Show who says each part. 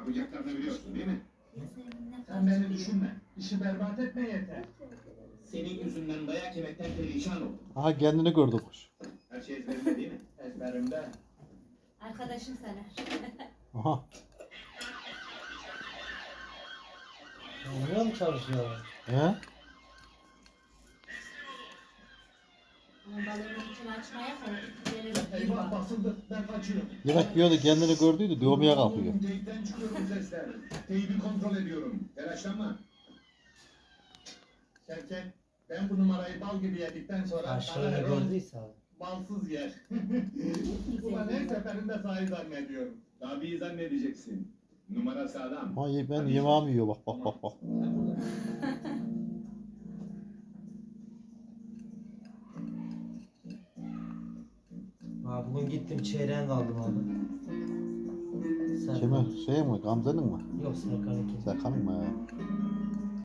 Speaker 1: Yapacaklarını biliyorsun değil mi?
Speaker 2: Sen beni düşünme. İşi berbat etme yeter.
Speaker 1: Senin yüzünden dayak yemekten perişan oldum.
Speaker 3: Aha kendini gördü kuş.
Speaker 1: Her şey ezberinde değil mi?
Speaker 2: Ezberimde.
Speaker 4: Arkadaşım sana.
Speaker 3: Aha.
Speaker 5: Oraya mı çalışıyorlar?
Speaker 3: He?
Speaker 4: Onun balığının içini açmaya kadar
Speaker 2: Eyvah basıldı. Ben kaçıyorum.
Speaker 3: Yemek yiyordu kendini gördüydü dövmeye kalkıyor.
Speaker 2: Teyipten çıkıyorum sesler.
Speaker 1: Teybi kontrol ediyorum. Telaşlanma.
Speaker 2: Şevket, ben bu numarayı bal gibi yedikten sonra
Speaker 5: Karşılığını
Speaker 2: bana Erol
Speaker 5: gördüyse abi.
Speaker 2: balsız yer. Ulan her seferinde sahi zannediyorum.
Speaker 1: Tabii zannedeceksin. Numara sağlam.
Speaker 3: Ama ben yemeğimi yiyor bak bak bak bak.
Speaker 5: Abi bugün gittim çeyreğen kaldım abi.
Speaker 3: Kime? Şey mi? Gamze'nin mi?
Speaker 5: Yok Serkan'ınki.
Speaker 3: Serkan'ın mı ya?